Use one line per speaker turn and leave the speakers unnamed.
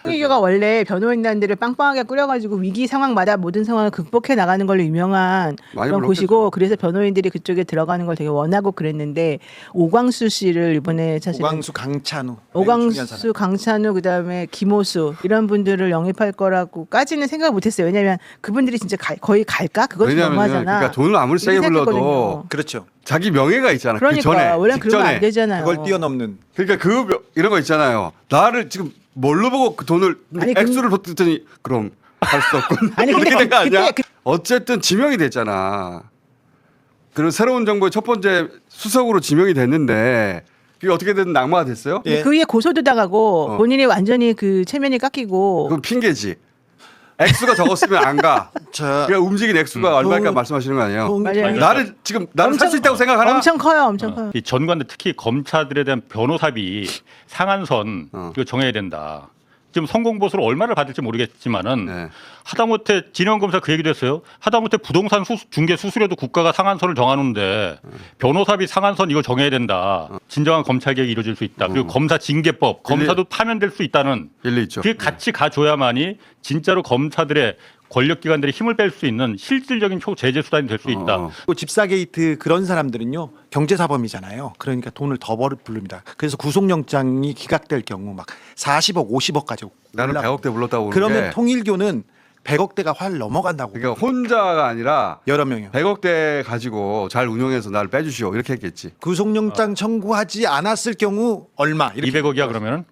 홍익규가 원래 변호인단들을 빵빵하게 꾸려가지고 위기 상황마다 모든 상황을 극복해 나가는 걸로 유명한
많이
그런
불렀겠죠.
곳이고 그래서 변호인들이 그쪽에 들어가는 걸 되게 원하고 그랬는데 오광수 씨를 이번에 사실
오광수, 강찬우,
오광수, 강찬우 그다음에 김호수 이런 분들을 영입할 거라고까지는 생각을 못했어요. 왜냐하면 그분들이 진짜 거의 갈까? 그것도
왜냐하면
너무하잖아.
그러니까 돈을 아무리 세게
이렇게
불러도
생각했거든요.
그렇죠.
자기 명예가 있잖아.
그러니까
그 전에
원래 그러면 안
직전에.
되잖아요.
그걸 뛰어넘는.
그러니까 이런 거 있잖아요. 나를 지금 뭘로 보고 그 돈을
아니,
액수를 보더니 그럼 할 수 없군.
아니,
이렇게
근데
된 거 아니야?
그때
어쨌든 지명이 됐잖아. 그리고 새로운 정부의 첫 번째 수석으로 지명이 됐는데 그게 어떻게든 낙마가 됐어요?
예.
그 위에 고소도 당하고
어.
본인이 완전히 그 체면이 깎이고
그건 핑계지. 액수가 적었으면 안 가.
자,
그러니까 움직인 액수가 얼마일까 말씀하시는 거 아니에요?
맞아요.
나를 살 수 있다고 생각하나?
엄청 커요, 엄청 커요.
이 전관들 특히 검사들에 대한 변호사비 상한선
어.
이거 정해야 된다. 지금 성공보수를 얼마를 받을지 모르겠지만은
네.
하다못해 진영검사 그 얘기도 했어요. 하다못해 부동산 중개 수수료도 국가가 상한선을 정하는데 변호사비 상한선 이거 정해야 된다. 진정한 검찰 개혁이 이루어질 수 있다. 그리고 검사 징계법, 검사도 파면될 수 있다는
일리 있죠.
그게 같이 가줘야만이 진짜로 검사들의 권력기관들이 힘을 뺄 수 있는 실질적인 초제재 수단이 될 수 있다.
또 집사 게이트 그런 사람들은요 경제사범이잖아요. 그러니까 돈을 더 부릅니다. 그래서 구속영장이 기각될 경우 막 40억, 50억까지
나는 100억대 불렀다고
그러면
그러는데
통일교는 100억대가 활 넘어간다고.
그러니까 혼자가 아니라
여러 명이요.
100억대 가지고 잘 운용해서 나를 빼주시오 이렇게 했겠지.
구속영장 청구하지 않았을 경우 얼마 이렇게
200억이야 그러면은?